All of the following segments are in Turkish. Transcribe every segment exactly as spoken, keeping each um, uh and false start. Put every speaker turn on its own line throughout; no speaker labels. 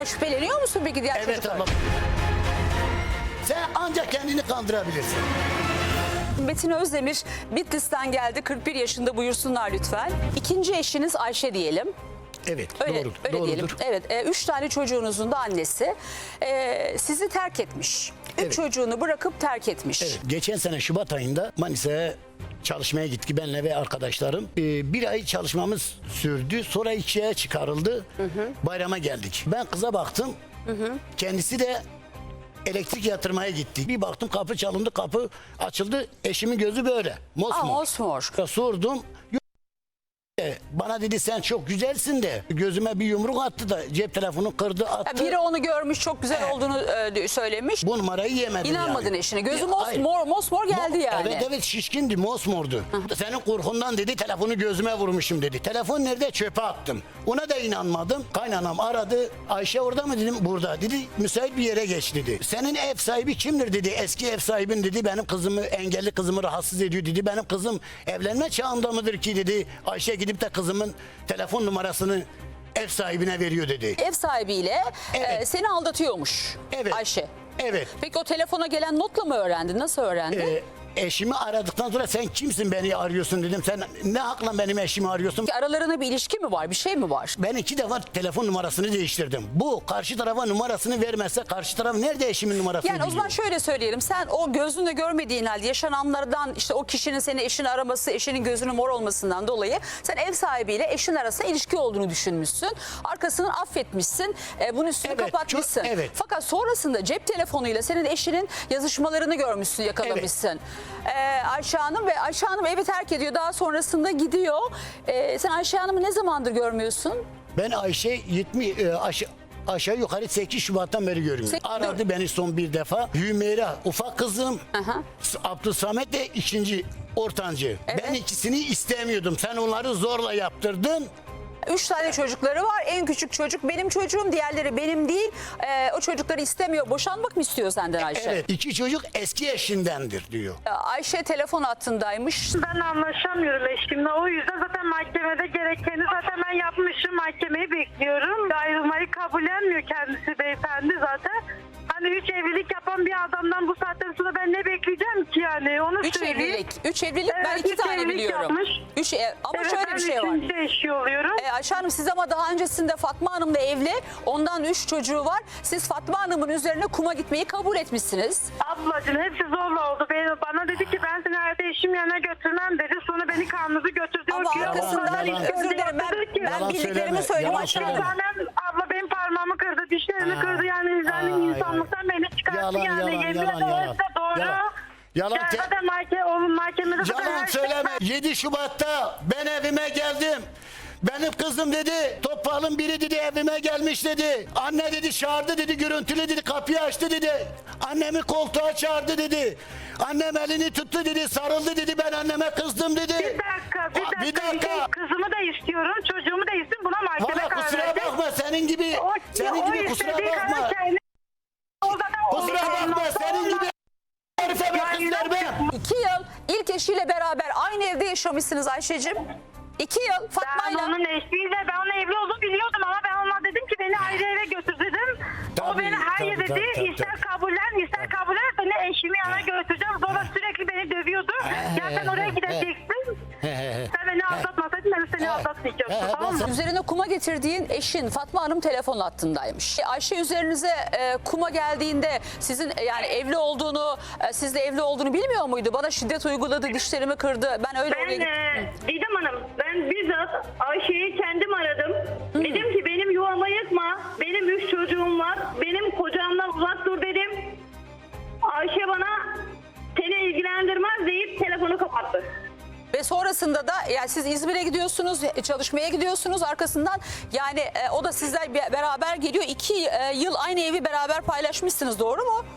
Şüpheleniyor musun peki diğer
Evet
çocuklar?
abla. Sen ancak kendini kandırabilirsin.
Metin Özdemir Bitlis'ten geldi. kırk bir yaşında, buyursunlar lütfen. İkinci eşiniz Ayşe diyelim.
Evet,
Öyle,
doğru,
öyle
doğrudur.
diyelim. Evet, e, üç tane çocuğunuzun da annesi e, sizi terk etmiş. Üç
Evet.
çocuğunu bırakıp terk etmiş.
Evet, geçen sene Şubat ayında Manisa'ya çalışmaya gittik benle ve arkadaşlarım. Ee, bir ay çalışmamız sürdü. Sonra ikiye çıkarıldı. Hı hı. Bayrama geldik. Ben kıza baktım. Hı hı. Kendisi de elektrik yatırmaya gitti. Bir baktım kapı çalındı, kapı açıldı. Eşimin gözü böyle. Mosmor.
Aa, mosmor.
Ya sordum. Bana dedi sen çok güzelsin de gözüme bir yumruk attı da cep telefonu kırdı attı.
Ya biri onu görmüş, çok güzel
Evet.
olduğunu e, söylemiş.
Bu numarayı yemedim
İnanmadın
yani.
eşine. Gözü
Ya,
mos,
hayır.
mor, mosmor geldi
Mo-
yani.
Evet evet şişkindi, mosmordu. Senin korkundan dedi telefonu gözüme vurmuşum dedi. Telefon nerede? Çöpe attım. Ona da inanmadım. Kaynanam aradı. Ayşe orada mı dedim? Burada. Dedi müsait bir yere geç dedi. Senin ev sahibi kimdir dedi. Eski ev sahibin dedi. Benim kızımı, engelli kızımı rahatsız ediyor dedi. Benim kızım evlenme çağında mıdır ki dedi. Ayşe gidip de kızımın telefon numarasını ev sahibine veriyor dedi.
Ev sahibiyle
Evet.
e, seni aldatıyormuş
Evet.
Ayşe.
Evet.
Peki o telefona gelen notla mı öğrendin? Nasıl öğrendin?
Ee, eşimi aradıktan sonra sen kimsin beni arıyorsun dedim. Sen ne hakla benim eşimi arıyorsun?
Aralarında bir ilişki mi var? Bir şey mi var?
Ben iki defa telefon numarasını değiştirdim. Bu karşı tarafa numarasını vermezse karşı taraf nerede eşimin numarasını
Yani o zaman
biliyor?
şöyle söyleyelim. Sen o gözünle görmediğin halde yaşananlardan, işte o kişinin seni eşini araması, eşinin gözünün mor olmasından dolayı sen ev sahibiyle eşin arasında ilişki olduğunu düşünmüşsün. Arkasını affetmişsin. E, bunun üstünü
Evet,
kapatmışsın.
çok- evet.
Fakat sonrasında cep telefonuyla senin eşinin yazışmalarını görmüşsün, yakalamışsın. E, Ayşe Hanım ve Ayşe Hanım evi terk ediyor. Daha sonrasında gidiyor. E, sen Ayşe Hanım'ı ne zamandır görmüyorsun?
Ben Ayşe yetmiş e, aşağı, aşağı yukarı sekiz Şubat'tan beri görmüyorum.
Sek-
Aradı beni son bir defa. Hümeyra ufak kızım.
Aha.
Abdülsamet de ikinci ortancı.
Evet.
Ben ikisini istemiyordum. Sen onları zorla yaptırdın.
Üç tane çocukları var. En küçük çocuk benim çocuğum. Diğerleri benim değil. E, o çocukları istemiyor. Boşanmak mı istiyor senden Ayşe?
Evet. İki çocuk eski eşindendir diyor.
Ayşe telefon hattındaymış.
Ben anlaşamıyorum eşimle. O yüzden zaten mahkemede gerekeni zaten ben yapmışım. Mahkemeyi bekliyorum. Ayrılmayı kabullenmiyor kendisi beyefendi zaten. Hani üç evlilik yapan bir adamdan bu saatten sonra ben ne bekleyeceğim ki yani? Onu
Üç
söyleyeyim.
evlilik. Üç evlilik ben
Evet,
iki
üç
tane
evlilik
biliyorum.
yapmış.
Üç ev, ama
Evet,
şöyle
ben
bir şey var.
üçüncü eşi oluyorum.
E, Ayşe Hanım siz ama daha öncesinde Fatma Hanım da evli. Ondan üç çocuğu var. Siz Fatma Hanım'ın üzerine kuma gitmeyi kabul etmişsiniz.
Ablacığım hepsi zorla oldu. Beni, bana dedi ki ben seni hayata eşim yanına götürmem dedi. Sonra beni karnınızı götürdü.
Ama
O ki-
arkasından
yalan, yalan.
özür dilerim ben,
Yaptırdı ki-
ben
Yalan
bildiklerimi
söyleme,
söyleyeyim
yalan
Ayşe Hanım.
söyleme.
Zaten abla benim parmağımı kırdı, dişlerimi
Ay,
kırdı yani yani
ay,
insanlıktan beni çıkarttı
Yalan,
yani.
yalan,
Yemin
yalan,
ederim
yalan.
hepsi doğru.
Yalan. Yalan
Yani
te-
zaten mahke, oğlum mahkemede zaten
Yalan
her şey-
söyleme. yedi Şubat'ta ben evime geldim. Benim kızım dedi, Topal'ın biri dedi evime gelmiş dedi. Anne dedi çağırdı dedi, görüntülü dedi, kapıyı açtı dedi. Annemi koltuğa çağırdı dedi. Annem elini tuttu dedi, sarıldı dedi, ben anneme kızdım dedi.
Bir dakika, bir
Aa,
dakika.
Bir dakika.
şey, kızımı da istiyorum, çocuğumu da istiyorum. Buna mahkeme
Hala
karar
kusura
verdi.
bakma senin gibi,
O,
senin
o
gibi kusura
istediği
bakma.
kadar kendi- O zaten
Kusura bakma senin gibi herife ben kız vermem.
İki yıl ilk eşiyle beraber aynı evde yaşamışsınız Ayşe'cim. İki yıl
Ben
Fatma'yla.
onun eşliğiyle, ben onun evli olduğunu biliyordum ama ben ona dedim ki beni ayrı eve götür dedim. o
Tabii,
beni hayır
tabii,
dedi,
tabii, tabii,
ister
tabii.
kabullen, ister kabullen seni eşimi yana götüreceğim. Sonra sürekli beni dövüyordu. Ya sen oraya gideceksin. Sen beni aldatmasaydın ben seni aldatmayacaktım, tamam mı?
Üzerine kuma getirdiğin eşin Fatma Hanım telefon hattındaymış. Ayşe üzerinize e, kuma geldiğinde sizin e, yani evli olduğunu, e, sizle evli olduğunu bilmiyor muydu? Bana şiddet uyguladı, dişlerimi kırdı. Ben öyle oraya
Ben
gittim.
e, Didem Hanım, ben bizzat Ayşe'yi kendim aradım. Dedim ki benim yuvamı yıkma, benim üç çocuğum var, benim kocamdan uzak dur dedim. Ayşe bana seni ilgilendirmez deyip telefonu kapattı.
Ve sonrasında da yani siz İzmir'e gidiyorsunuz, çalışmaya gidiyorsunuz arkasından yani e, o da sizler be- beraber geliyor. İki e, yıl aynı evi beraber paylaşmışsınız, doğru mu?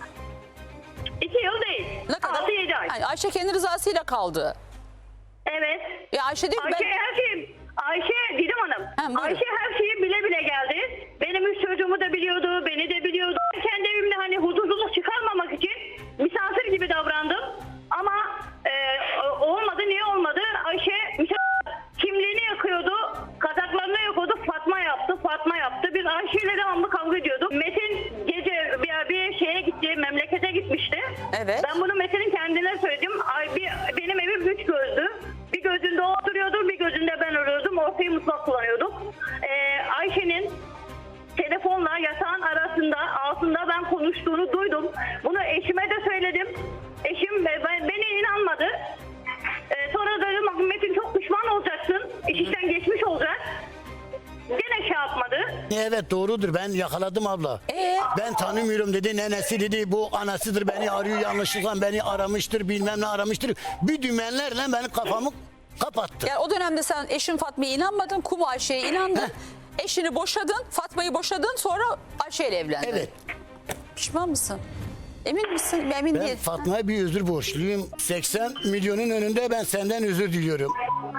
İki yıl değil,
Ne kadar?
altı yedi ay.
Yani Ayşe kendi rızasıyla kaldı.
Evet.
Ya Ayşe diyor ki
Ayşe
ben...
her şeyi, Ayşe Didem Hanım,
Ha, buyurun.
Ayşe her şeyi bile bile geldi. Benim üç çocuğumu da biliyordu, beni de biliyordu. Kendi evimde hani huzursuzluk çıkarmamak için misafir gibi davrandım. Ama e, olmadı, niye olmadı? Ayşe misafir kimliğini yakıyordu, kazaklarını yakıyordu, Fatma yaptı, Fatma yaptı. Biz Ayşe ile devamlı kavga ediyorduk.
Evet.
Ben bunu Metin'in kendine söyledim. Ay, bir, benim evim üç gözdü. Bir gözünde o oturuyordu, bir gözünde ben oluyordum. Ortayı mutfak kullanıyorduk. Ee, Ayşe'nin telefonla yatağın arasında, altında ben konuştuğunu duydum. Bunu eşime de söyledim. Eşim ben, beni inanmadı. Ee, sonra dedim Metin çok pişman olacaksın. İş işten geçmiş olacak. Gene şey yapmadı.
Evet doğrudur, ben yakaladım abla.
Ee?
Ben tanımıyorum dedi, nenesi dedi, bu anasıdır, beni arıyor, yanlışlıkla beni aramıştır, bilmem ne aramıştır. Bir dümenlerle benim kafamı kapattı.
Yani o dönemde sen eşin Fatma'ya inanmadın, Kum Ayşe'ye inandın. Eşini boşadın, Fatma'yı boşadın, sonra Ayşe ile evlendin.
Evet.
Pişman mısın? Emin misin? Emin
Ben
değil.
Fatma'ya bir özür borçluyum. seksen milyonun önünde ben senden özür diliyorum.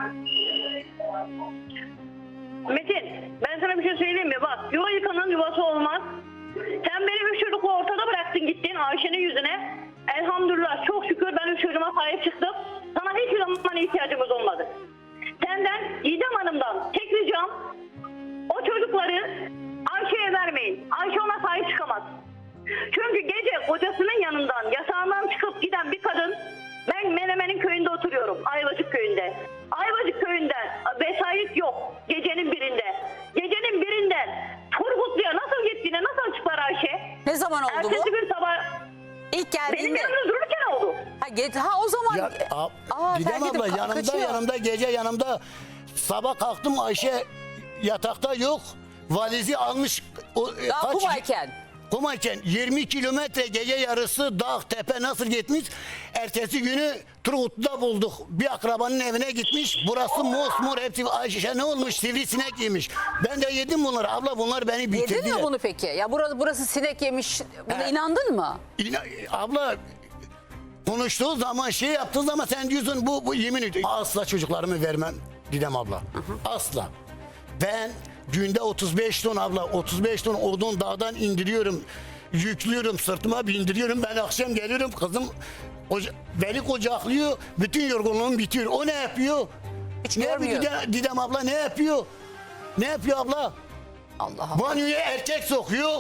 Metin, ben sana bir şey söyleyeyim mi? Bak, yuva yıkanın yuvası olmaz. Sen benim üç çocuğu ortada bıraktın gittin Ayşe'nin yüzüne. Elhamdülillah çok şükür ben üç çocuğuma sahip çıktım. Sana hiçbir zaman ihtiyacımız olmadı. Senden, Didem Hanım'dan tek ricam o çocukları Ayşe'ye vermeyin. Ayşe ona sahip çıkamaz. Çünkü gece kocasının yanından, yatağından çıkıp giden bir kadın, ben Menemen'in köyünde oturuyorum, Ayvacık köyünde. Ayvacık köyünden vesayet yok gecenin birinde. Gecenin birinden Turgutlu'ya nasıl gittiğine nasıl açıklar Ayşe?
Ne zaman oldu
Ertesi
bu?
gün sabah
İlk
benim
geldiğinde.
yanımda dururken oldu.
Ha, ge- ha o zaman.
Ya, a,
Aa,
Didem
terk edip
abla
ka-
yanımda
kaçıyor.
yanımda gece yanımda, sabah kalktım Ayşe yatakta yok. Valizi almış. O, e,
Daha
kaç-
Kumayken.
Kumayken yirmi kilometre gece yarısı dağ tepe nasıl gitmiş. Ertesi günü Turgutlu'da bulduk. Bir akrabanın evine gitmiş. Burası mosmor, hepsi Ayşe ne olmuş, sivrisinek yemiş. Ben de yedim bunları abla, bunlar beni bitirdiler.
Yedin mi bunu peki? Ya burası, burası sinek yemiş. Buna
He.
inandın mı?
İna- abla konuştuğu zaman şey yaptığı zaman sen diyorsun bu, bu yemin ediyorum. Asla çocuklarımı vermem Didem abla. Asla. Ben günde otuz beş ton abla, otuz beş ton odun dağdan indiriyorum. Yüklüyorum, sırtıma bindiriyorum. Ben akşam geliyorum, kızım koca- beni kucaklıyor. Bütün yorgunluğum bitiyor. O ne yapıyor?
Hiç
Ne yapıyor
görmüyor.
Didem, Didem abla ne yapıyor? Ne yapıyor abla?
Allah Allah.
Banyoya erkek sokuyor.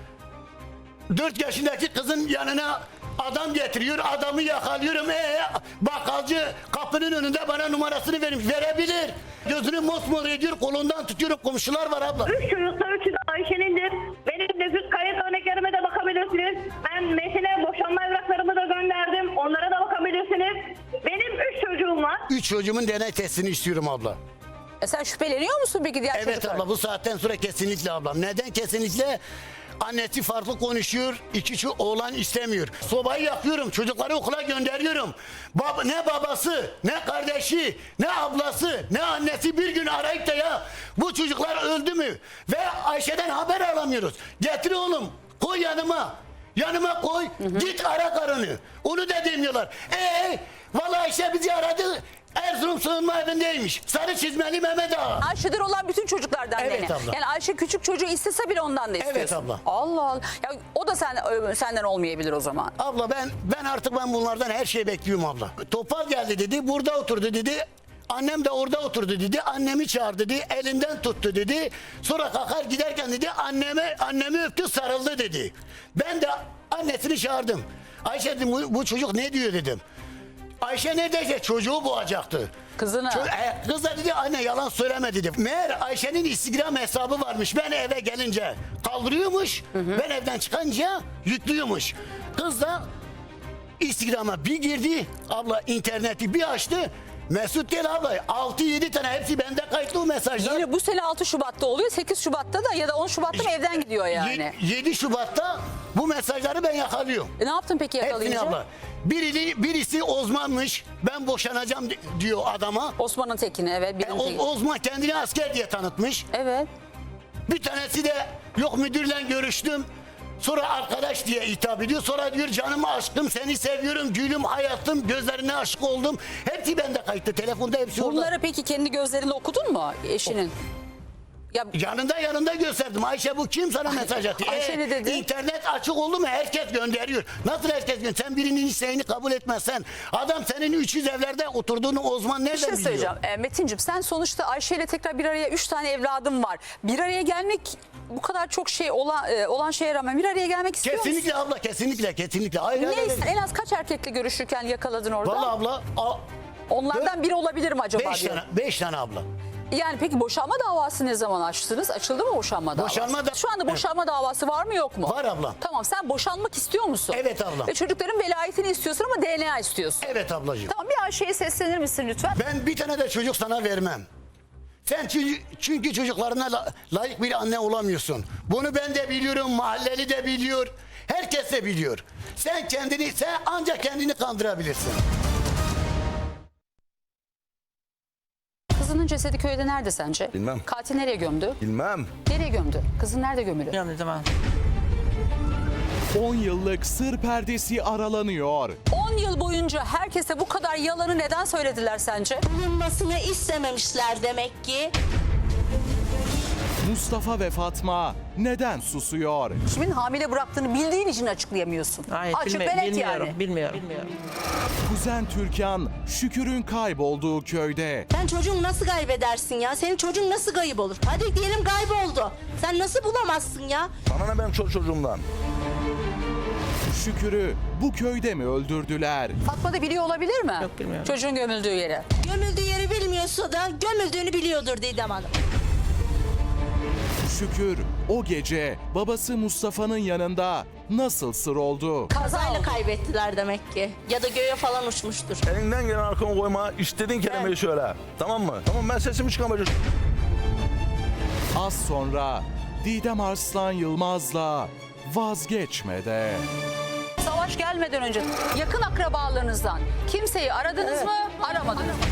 Dört yaşındaki kızın yanına adam getiriyor. Adamı yakalıyorum. Ee, bakkalcı kapının önünde bana numarasını vermiş. Verebilir. Gözünü mosmor ediyor. Kolundan tutuyorum. Komşular var abla.
Üç çocukta üçü de Ayşe'nindir. Benim nüfus kayıt örneklerime de bakabilirsiniz. Ben Metin'e boşanma evraklarımı da gönderdim. Onlara da bakabilirsiniz. Benim üç çocuğum var.
Üç çocuğumun D N A testini istiyorum abla.
E sen şüpheleniyor musun peki diğer
Evet
çocuklar?
abla, bu saatten sonra kesinlikle ablam. Neden kesinlikle? Annesi farklı konuşuyor. İki şu oğlan istemiyor. Sobayı yakıyorum. Çocukları okula gönderiyorum. Baba, ne babası, ne kardeşi, ne ablası, ne annesi bir gün arayıp da ya bu çocuklar öldü mü? Ve Ayşe'den haber alamıyoruz. Getir oğlum, koy yanıma. Yanıma koy, git ara karını. Onu da demiyorlar. Ee, vallahi Ayşe bizi aradı. Erzurum sığınma evindeymiş. Sarı çizmeli Mehmet Ağa.
Ayşe'den olan bütün çocuklardan
Evet
dene.
abla.
Yani Ayşe küçük çocuğu istese bile ondan da istiyorsun.
Evet abla.
Allah Allah. Ya o da sen, senden olmayabilir o zaman.
Abla ben ben artık ben bunlardan her şeyi bekliyorum abla. Topal geldi dedi, burada oturdu dedi. Annem de orada oturdu dedi. Annemi çağırdı dedi. Elinden tuttu dedi. Sonra kalkar giderken dedi anneme annemi öptü, sarıldı dedi. Ben de annesini çağırdım. Ayşe dedim, bu, bu çocuk ne diyor dedim. Ayşe neredeyse çocuğu boğacaktı.
Kızına.
Ço- e, kız da dedi anne yalan söyleme dedi. Meğer Ayşe'nin Instagram hesabı varmış. Ben eve gelince kaldırıyormuş. Ben evden çıkınca yüklüyormuş. Kız da Instagram'a bir girdi. Abla interneti bir açtı. Mesut değil abla. altı yedi tane hepsi bende kayıtlı o mesajlar.
Yine bu sene altı Şubat'ta oluyor. sekiz Şubat'ta da ya da on Şubat'ta mı evden gidiyor yani.
yedi Şubat'ta bu mesajları ben yakalıyorum.
E ne yaptın peki
Hepsini
yakalayınca?
abla. Biri, birisi Osman'mış. Ben boşanacağım di- diyor adama.
Osman'ın tekini evet.
E,
Birin
o,
teki.
Osman kendini asker diye tanıtmış.
Evet.
Bir tanesi de yok müdürle görüştüm. Sonra arkadaş diye hitap ediyor. Sonra diyor canım aşkım seni seviyorum gülüm hayatım gözlerine aşık oldum. Hepsi bende kayıtlı telefonda hepsi orada.
Bunları peki kendi gözlerinde okudun mu eşinin? Ya
Yanında yanında gösterdim. Ayşe bu kim sana mesaj atıyor?
Ayşe ne dedi?
İnternet açık oldu mu herkes gönderiyor. Nasıl herkes gönderiyor? Sen birinin isteğini kabul etmezsen adam senin üç yüz evlerde oturduğunu Osman nereden
bir şey
biliyor?
söyleyeceğim. E, Metin'cim sen sonuçta Ayşe ile tekrar bir araya üç tane evladım var. Bir araya gelmek bu kadar çok şey olan, e, olan şeye rağmen bir araya gelmek istiyor musun?
Kesinlikle abla, kesinlikle, kesinlikle. Hayır, hayır,
Ne,
hayır.
en az kaç erkekle görüşürken yakaladın orada?
Vallahi abla, a-
Onlardan biri olabilir mi acaba?
beş
diyorum.
tane, beş tane abla.
Yani peki boşanma davası ne zaman açtınız? Açıldı mı boşanma davası?
Boşanma da-
Şu anda boşanma davası var mı yok mu?
Var abla.
Tamam, sen boşanmak istiyor musun?
Evet abla.
Ve çocukların velayetini istiyorsun ama D N A istiyorsun.
Evet ablacığım.
Tamam, bir Ayşe'ye seslenir misin lütfen?
Ben bir tane de çocuk sana vermem. Sen çünkü, çünkü çocuklarına la- layık bir anne olamıyorsun. Bunu ben de biliyorum, mahalleli de biliyor. Herkes de biliyor. Sen kendini, sen ancak kendini kandırabilirsin.
Kızının cesedi köyde nerede sence?
Bilmem.
Katil nereye gömdü?
Bilmem.
Nereye gömdü? Kızın nerede gömülü?
Bilmiyorum dedim ha.
on yıllık sır perdesi aralanıyor.
on yıl boyunca herkese bu kadar yalanı neden söylediler sence?
bulunmasını istememişler demek ki.
Mustafa ve Fatma neden susuyor?
Kimin hamile bıraktığını bildiğin için açıklayamıyorsun.
Hayır,
Açık
bilmi-
ve net
bilmiyorum,
yani.
bilmiyorum, bilmiyorum.
Kuzen Türkan, Şükür'ün kaybolduğu köyde.
Sen çocuğunu nasıl kaybedersin ya? Senin çocuğun nasıl kayıp olur? Hadi diyelim kayboldu. Sen nasıl bulamazsın ya?
Bana ne benim çoluk çocuğumdan?
Şükür'ü bu köyde mi öldürdüler?
Fatma da biliyor olabilir mi?
Yok, bilmiyorum.
Çocuğun gömüldüğü yeri.
Gömüldüğü yeri bilmiyorsa da gömüldüğünü biliyordur Didem Hanım.
Şükür o gece babası Mustafa'nın yanında nasıl sır oldu?
Kazayla kaybettiler demek ki. Ya da göğe falan uçmuştur.
Elinden gelen arkana koyma, istediğin kelimeyi söyle. Tamam mı? Tamam, ben sesimi çıkamayacağım.
Az sonra Didem Arslan Yılmaz'la vazgeçmede.
Savaş gelmeden önce yakın akrabalarınızdan kimseyi aradınız mı? Aramadınız mı?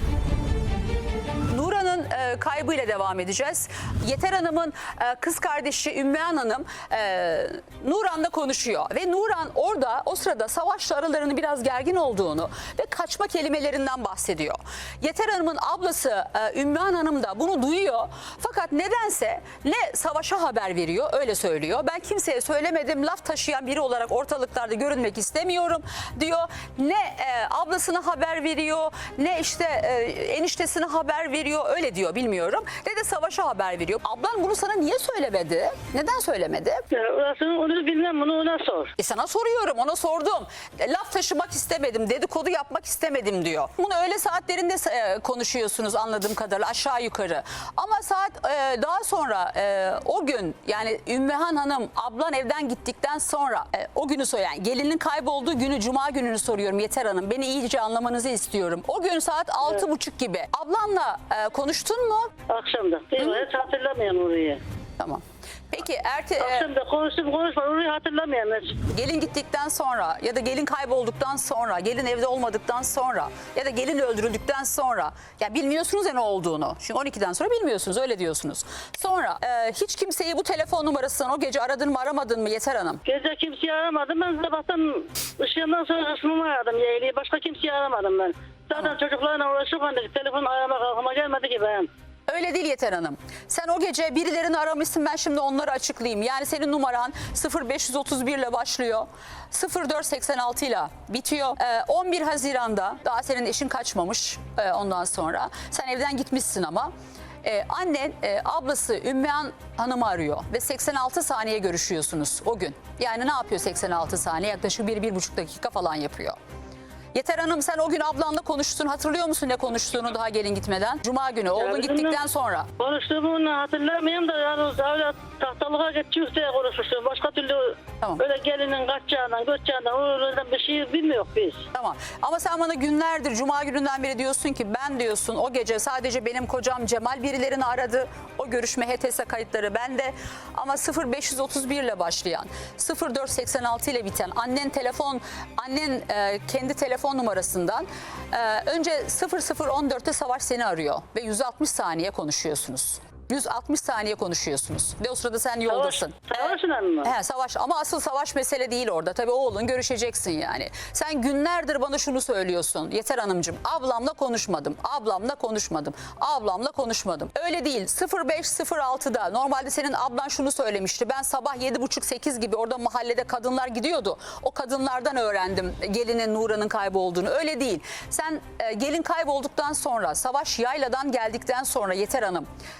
Nura'nın e, kaybıyla devam edeceğiz. Yeter Hanım'ın e, kız kardeşi Ümmühan Hanım e, Nuran'la konuşuyor. Ve Nuran orada o sırada Savaş'la aralarının biraz gergin olduğunu ve kaçma kelimelerinden bahsediyor. Yeter Hanım'ın ablası e, Ümmühan Hanım da bunu duyuyor. Fakat nedense ne Savaş'a haber veriyor, öyle söylüyor. Ben kimseye söylemedim, laf taşıyan biri olarak ortalıklarda görünmek istemiyorum diyor. Ne e, ablasına haber veriyor, ne işte e, eniştesine haber veriyor, öyle diyor, bilmiyorum. Ne de Savaş'a haber veriyor. Ablan bunu sana niye söylemedi? Neden söylemedi?
Ya orasını onu bilmem, bunu ona sor.
E sana soruyorum, ona sordum. E, laf taşımak istemedim, dedikodu yapmak istemedim diyor. Bunu öğle saatlerinde e, konuşuyorsunuz anladığım kadarıyla, aşağı yukarı. Ama saat e, daha sonra e, o gün, yani Ümmühan Hanım ablan evden gittikten sonra e, o günü söyleyen, gelinin kaybolduğu günü, cuma gününü soruyorum Yeter Hanım. Beni iyice anlamanızı istiyorum. O gün saat altı buçuk gibi. Ablanla e, konuştun mu?
Akşamda. Değil mi? Hiç hatırlamıyorum orayı.
Tamam. Peki erte, e,
Akşamda konuştum konuşma orayı hatırlamıyorum hiç.
gelin gittikten sonra ya da gelin kaybolduktan sonra, gelin evde olmadıktan sonra ya da gelin öldürüldükten sonra, ya bilmiyorsunuz ya ne olduğunu. Çünkü on ikiden sonra bilmiyorsunuz, öyle diyorsunuz. Sonra e, hiç kimseyi bu telefon numarasından o gece aradın mı, aramadın mı Yeter Hanım?
Gece kimseyi aramadım. Ben sabahtan ışığından sonra kısmımı aradım yeğliyi. Başka kimseyi aramadım ben. Zaten çocuklarla uğraşırken de telefon aramak aklıma gelmedi ki ben.
Öyle değil Yeter Hanım. Sen o gece birilerini aramışsın, ben şimdi onları açıklayayım. Yani senin numaran sıfır beş otuz bir ile başlıyor. sıfır dört seksen altı ile bitiyor. Ee, on bir Haziran'da daha senin eşin kaçmamış ee, ondan sonra. Sen evden gitmişsin ama. Ee, annen e, ablası Ümmühan Hanım'ı arıyor ve seksen altı saniye görüşüyorsunuz o gün. Yani ne yapıyor seksen altı saniye? Yaklaşık bir bir buçuk dakika falan yapıyor. Yeter Hanım, sen o gün ablanla konuştun. Hatırlıyor musun ne konuştuğunu daha gelin gitmeden? Cuma günü, oğlun
bizimle
gittikten sonra.
Konuştuğumu hatırlamıyorum da yani öyle tahtalığa geçiyoruz diye konuşmuştum. Başka türlü
Tamam.
öyle gelinin kaçacağından, göçeceğinden, oradan bir şey bilmiyoruz biz.
Tamam, ama sen bana günlerdir, cuma gününden beri diyorsun ki ben diyorsun o gece sadece benim kocam Cemal birilerini aradı. O görüşme H T S kayıtları bende, ama sıfır beş otuz bir ile başlayan, sıfır dört seksen altı ile biten annen telefon, annen e, kendi telefon numarasından e, önce sıfır sıfır on dörtte Savaş seni arıyor ve yüz altmış saniye konuşuyorsunuz. yüz altmış saniye konuşuyorsunuz ve o sırada sen yoldasın.
Savaş'la mı?
He, Savaş, ama asıl Savaş mesele değil orada. Tabii oğlun, görüşeceksin yani. Sen günlerdir bana şunu söylüyorsun Yeter Hanımcığım. Ablamla konuşmadım. Ablamla konuşmadım. Ablamla konuşmadım. Öyle değil. sıfır beş sıfır altıda normalde senin ablan şunu söylemişti. Ben sabah yedi buçuk sekiz gibi orada mahallede kadınlar gidiyordu. O kadınlardan öğrendim gelinin Nura'nın kaybolduğunu. Öyle değil. Sen e, gelin kaybolduktan sonra, Savaş yayladan geldikten sonra Yeter Hanım, e,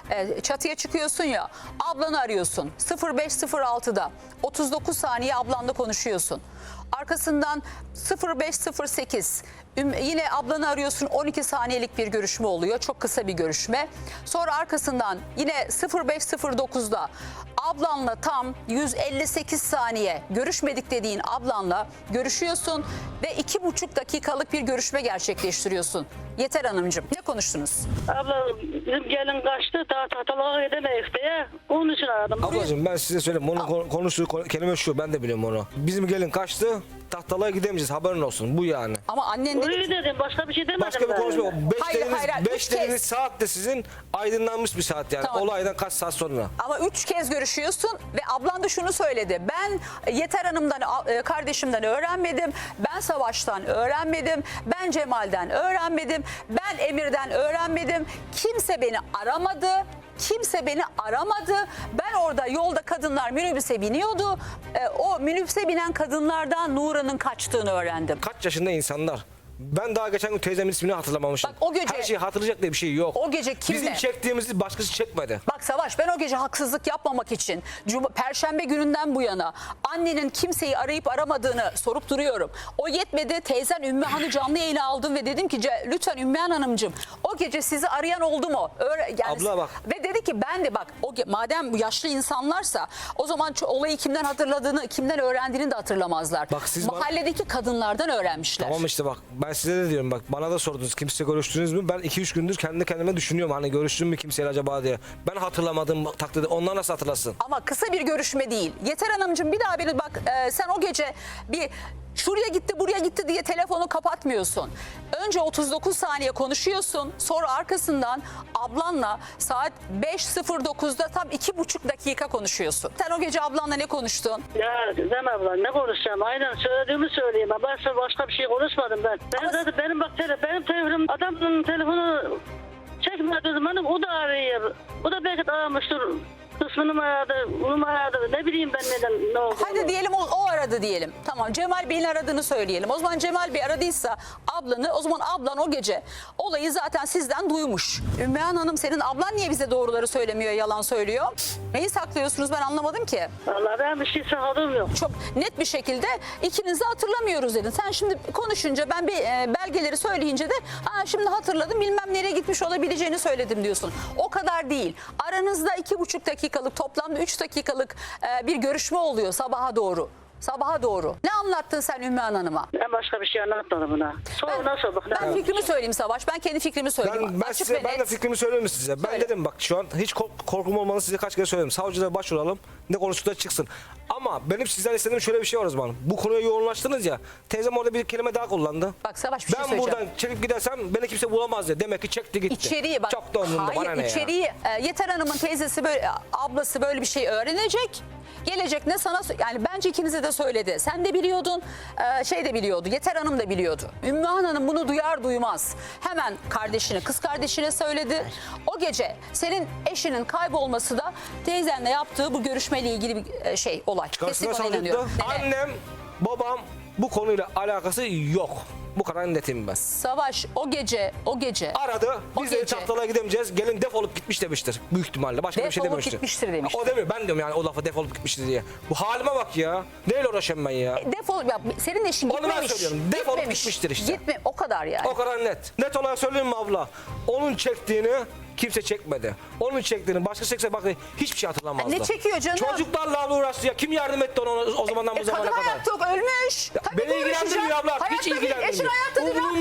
çatıya çıkıyorsun ya, ablanı arıyorsun sıfır beş sıfır altıda otuz dokuz saniye ablanla konuşuyorsun. Arkasından sıfır beş sıfır sekiz üm- yine ablanı arıyorsun, on iki saniyelik bir görüşme oluyor. Çok kısa bir görüşme. Sonra arkasından yine sıfır beş sıfır dokuzda ablanla tam yüz elli sekiz saniye görüşmedik dediğin ablanla görüşüyorsun ve iki buçuk dakikalık bir görüşme gerçekleştiriyorsun. Yeter Hanımcığım, ne konuştunuz?
Abla bizim gelin kaçtı daha tahtalığa edemeyiz diye onun için aradım.
Ablacığım ben size söyleyeyim. Onun konu- konuştuğu konu- kelime şu. Ben de biliyorum onu. Bizim gelin kaçtı. Tahtalığa gidemeyeceğiz. Haberin olsun. Bu yani.
Ama annen dedi
Öyle dedim, başka bir şey demedim
Başka bir
ben.
konuşma yok. Beş
Hayır,
dediğiniz,
hayır, hayır.
beş
Üç
dediğiniz
kez.
saat de sizin aydınlanmış bir saat yani.
Tamam.
Olaydan kaç saat sonra.
ama üç kez görüşüyorsun ve ablan da şunu söyledi. Ben Yeter Hanım'dan, e, kardeşimden öğrenmedim. Ben Savaş'tan öğrenmedim. Ben Cemal'den öğrenmedim. Ben Emir'den öğrenmedim. Kimse beni aramadı. Kimse beni aramadı. Ben orada yolda kadınlar minibüse biniyordu. E, o minibüse binen kadınlardan Nuran'ın kaçtığını öğrendim.
Kaç yaşında insanlar. Ben daha geçen gün teyzemin ismini hatırlamamışım.
Bak o gece-
Her şeyi hatırlayacak diye bir şey yok.
O gece kimle?
Bizim çektiğimizi başkası çekmedi.
Bak Savaş, ben o gece haksızlık yapmamak için Cuma, Perşembe gününden bu yana annenin kimseyi arayıp aramadığını sorup duruyorum. O yetmedi, teyzen Ümmühan'ı canlı yayına aldım ve dedim ki "Ce- lütfen Ümmühan Hanımcığım o gece sizi arayan oldu mu?" Öyle, yani,
Abla bak.
Ve dedi ki ben de bak o ge- madem bu yaşlı insanlarsa o zaman ço- olayı kimden hatırladığını, kimden öğrendiğini de hatırlamazlar.
Bak siz bana-
Mahalledeki kadınlardan öğrenmişler.
Tamam işte bak ben size de diyorum bak bana da sordunuz kimse görüştünüz mü? Ben iki üç gündür kendi kendime düşünüyorum hani görüştüm mü kimseyle acaba diye. Ben hatırlamadım takdirde onlar nasıl hatırlasın?
Ama kısa bir görüşme değil. Yeter Hanımcığım bir daha beni bak e, sen o gece bir şuraya gitti buraya gitti diye telefonu kapatmıyorsun. Önce otuz dokuz saniye konuşuyorsun. Sonra arkasından ablanla saat beş sıfır dokuzda tam iki buçuk dakika konuşuyorsun. Sen o gece ablanla ne konuştun?
Ya Gizem abla ne konuşacağım? Aynen söylediğimi söyleyeyim. Ben size başka bir şey konuşmadım ben. Benim
Ama-
zaten benim bak tele, benim telefonum adamın telefonu çekmediği zaman o da arıyor. O da belki de aramıştır. Kısmını mı aradı, bunu mu aradı, ne bileyim ben neden ne oldu.
Hadi diyelim o, o aradı diyelim. Tamam Cemal Bey'in aradığını söyleyelim. O zaman Cemal Bey aradıysa ablanı, o zaman ablan o gece olayı zaten sizden duymuş. Ümmühan Hanım senin ablan niye bize doğruları söylemiyor, yalan söylüyor? Neyi saklıyorsunuz ben anlamadım ki.
Vallahi ben bir şey sakladığım yok.
Çok net bir şekilde ikiniz de hatırlamıyoruz dedin. Sen şimdi konuşunca ben bir e, belgeleri söyleyince de Aa, şimdi hatırladım bilmem nereye gitmiş olabileceğini söyledim diyorsun. O kadar değil. Aranızda iki buçuk dakikalık toplamda üç dakikalık e, bir görüşme oluyor sabaha doğru. Sabaha doğru. Ne anlattın sen Ümmühan Hanım'a?
Ben başka bir şey anlatmadım buna. Sonra nasıl bak.
Ben fikrimi söyleyeyim Savaş. Ben kendi fikrimi söyleyeyim.
Ben, ben
Açık
size
ve
ben de
net.
fikrimi söyleyeyim size. Ben
Söyle.
dedim bak şu an hiç kork- korkum olmalı size kaç kere söyledim. Savcılara başvuralım. Ne konuştukları çıksın. Ama benim sizden istediğim şöyle bir şey var o zaman. Bu konuya yoğunlaştınız ya. Teyzem orada bir kelime daha kullandı.
Bak Savaş bir şey
Ben
söyleyeceğim.
buradan çekip gidersem beni kimse bulamaz diye. Demek ki çekti gitti.
İçeriği bak.
Çok da umurumda
Hayır
bana ne ya.
içeriği e, Yeter Hanım'ın teyzesi böyle ablası böyle bir şey öğrenecek. Gelecek ne sana yani bence ikinize de söyledi. Sen de biliyordun, e, şey de biliyordu. Yeter Hanım da biliyordu. Ümmühan Hanım bunu duyar duymaz hemen kardeşine, kız kardeşine söyledi. O gece senin eşinin kaybolması da teyzenle yaptığı bu görüşmeyle ilgili bir e, şey olay.
Karşısına
Kesin ona
savcılıkta
inanıyorum. Neden?
annem, babam bu konuyla alakası yok. Bu kadar netim ben.
Savaş o gece, o gece.
Aradı.
O
Biz de
gece.
Çaptalığa gidemeyeceğiz. Gelin defolup gitmiş demiştir. Büyük ihtimalle. Başka bir şey
Defolup
dememiştir.
gitmiştir demiştir.
O demiyor. Ben diyorum yani o lafa defolup gitmiştir diye. Bu halime bak ya. Neyle uğraşıyorum ben ya?
Defol, ya senin eşin
Onu ben
gitmemiş.
söylüyorum. Defolup
Gitmemiş.
gitmiştir işte.
Gitme, o kadar yani.
O kadar net. Net olarak söyleyeyim mi abla? Onun çektiğini kimse çekmedi. Onun çektiğini başka çekse bak hiçbir şey hatırlamazdı.
Ne çekiyor canım?
Çocuklarla abla uğraştı ya. Kim yardım etti ona o zamandan bu
E,
zamana
kadın
kadar?
hayatta yok, ölmüş. Tabii
Beni
ki uğraşacak.
ilgilendirmiyor abla.
Hayatta
Hiç
değil,
ilgilendirmiyor.
Eşin hayatta değil, ne
Umurumda